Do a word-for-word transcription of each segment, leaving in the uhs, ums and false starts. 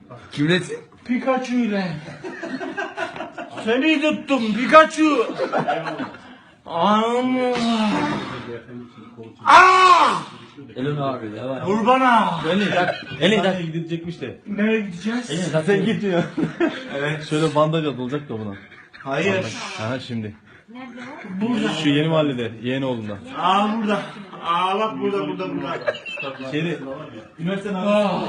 Kimlesin? Pikachu ile. Seni tuttum Pikachu. Anam. Aa! Elin abi de var. Kurbana. Elin tak. Elin tak gidecekmiş de. Nereye gideceğiz? Elin tak. Sen git diyor. Evet. Şöyle bandaj olacak da buna. Hayır. Aha şimdi. Burada. Şu yeni mahallede, Yeğenoğlu'nda. Aa burada. Aa bak burada burada burada. Şeyde. Üniversitenin Aa.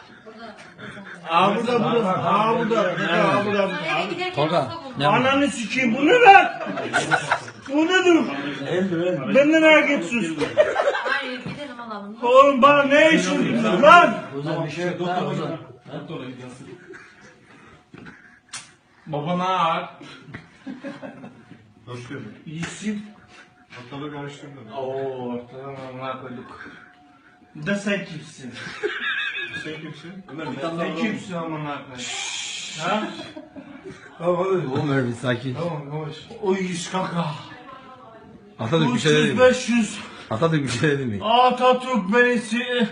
Aa burada burada. Aa burada. Aa burada. Eve giderken Tolga, hasta buldum. ne Ananı sikeyim bu ne lan? Bu nedir? Ben de merak ediyorsun. Hayır gidelim alalım. Oğlum bana ne işin lan? Ozan bir şey yok. Ha, Ozan. Baba ne var? Hoş geldin. İyisin. Ortalığı karıştırdım. Oo ortadan amına koyduk. Da sen kimsin? Sen kimsin? Sen kimsin amına koyduk? Ha? Oğlum öyle bir sakin. Tamam yavaş. O yüz kaka. Atatürk bir şey dedi üç yüz mi? beş yüz. Atatürk bir şey dedi mi? Atatürk beresi.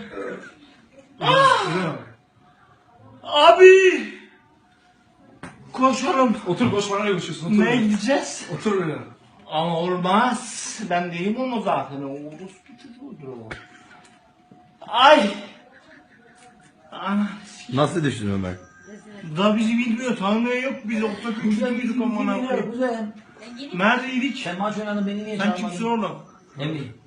Abi. Koşalım. Otur boş bana ne konuşuyorsun? Ne gideceğiz? Otur öyle. Ama olmaz. Ben değilim onu zaten. O orospu çocuğudur o. Ay. Ana. Nasıl düştün Ömer? Da bizi bilmiyor. Tanımıyor yok. Biz ortak üçlü müydük amına koyayım. Güzel. Ben geleyim. Neredeydik? Sen maç oynadın beni niye Sen kimsin oğlum? Emmi.